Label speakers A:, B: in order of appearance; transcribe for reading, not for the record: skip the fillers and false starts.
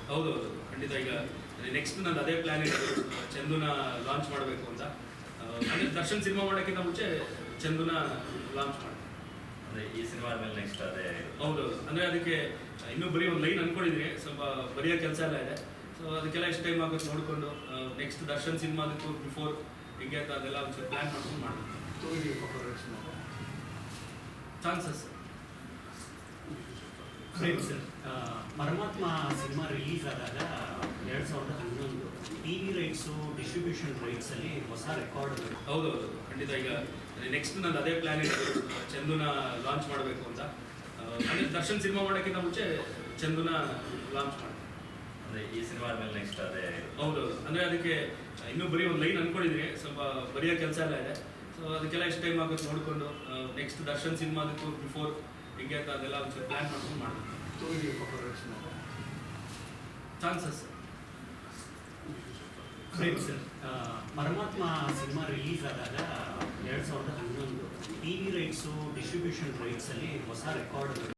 A: ಹೌದೌದು, ಖಂಡಿತ. ಈಗ ನೆಕ್ಸ್ಟ್ ನಂದು ಅದೇ ಪ್ಲಾನ್ ಇದೆ, ಚಂದುನ ಲಾಂಚ್ ಮಾಡಬೇಕು ಅಂತ. ಅಂದರೆ ದರ್ಶನ್ ಸಿನಿಮಾ ಮಾಡೋಕ್ಕಿಂತ ಮುಂಚೆ ಚಂದುನ ಲಾಂಚ್ ಮಾಡಿ.
B: ಅಂದರೆ ಈ ಸಿನಿಮಾ ಮೇಲೆ ನೆಕ್ಸ್ಟ್ ಅದೇ.
A: ಹೌದೌದು, ಅಂದರೆ ಅದಕ್ಕೆ ಇನ್ನೂ ಬರೀ ಒಂದು ಲೈನ್ ಅಂದ್ಕೊಂಡಿದ್ದೀನಿ, ಸ್ವಲ್ಪ ಬರೆಯೋ ಕೆಲಸ ಎಲ್ಲ ಇದೆ. ಸೊ ಅದಕ್ಕೆಲ್ಲ ಎಷ್ಟು ಟೈಮ್ ಆಗುತ್ತೆ ನೋಡಿಕೊಂಡು ನೆಕ್ಸ್ಟ್ ದರ್ಶನ್ ಸಿನಿಮಾದಕ್ಕೂ ಬಿಫೋರ್ ಹಿಂಗೆ ಅಂತ ಅದೆಲ್ಲ ಒಂಚೂರು ಪ್ಲ್ಯಾನ್ ಮಾಡ್ಕೊಂಡು ಮಾಡಬೇಕು. Chances
C: sir, Paramatma cinema release ಆದಾಗ 2011 ಟಿವಿ ರೈಟ್ಸು ಡಿಸ್ಟ್ರಿಬ್ಯೂಷನ್ ರೈಟ್ಸಲ್ಲಿ ಹೊಸ ರೆಕಾರ್ಡ್.
A: ಹೌದೌದು, ಖಂಡಿತ. ಈಗ ನೆಕ್ಸ್ಟ್ ನಂದು ಅದೇ ಪ್ಲಾನ್ ಇದೆ, ಚಂದುನ ಲಾಂಚ್ ಮಾಡಬೇಕು ಅಂತ. ಅಂದರೆ ದರ್ಶನ್ ಸಿನಿಮಾ ಮಾಡೋಕ್ಕಿಂತ ಮುಂಚೆ ಚಂದುನ ಲಾಂಚ್ ಮಾಡಿ.
B: ಅಂದರೆ ಈ ಸಿನಿಮಾ ಮೇಲೆ ನೆಕ್ಸ್ಟ್ ಅದೇ.
A: ಹೌದೌದು, ಅಂದರೆ ಅದಕ್ಕೆ ಇನ್ನೂ ಬರೀ ಒಂದು ಲೈನ್ ಅಂದ್ಕೊಂಡಿದ್ದೀನಿ, ಸ್ವಲ್ಪ ಬರೆಯೋ ಕೆಲಸ ಎಲ್ಲ ಇದೆ. ಸೊ ಅದಕ್ಕೆಲ್ಲ ಎಷ್ಟು ಟೈಮ್ ಆಗುತ್ತೆ ನೋಡಿಕೊಂಡು ನೆಕ್ಸ್ಟ್ ದರ್ಶನ್ ಸಿನಿಮಾದಕ್ಕೂ ಬಿಫೋರ್ ಹಿಂಗೆ ಅಂತ ಅದೆಲ್ಲ ಒಂಚೂರು ಪ್ಲ್ಯಾನ್ ಮಾಡ್ಕೊಂಡು ಮಾಡಬೇಕು. Chances
C: sir, Paramatma cinema release ಆದಾಗ 2011 ಟಿವಿ ರೈಟ್ಸು ಡಿಸ್ಟ್ರಿಬ್ಯೂಷನ್ ರೈಟ್ಸಲ್ಲಿ ಹೊಸ ರೆಕಾರ್ಡ್.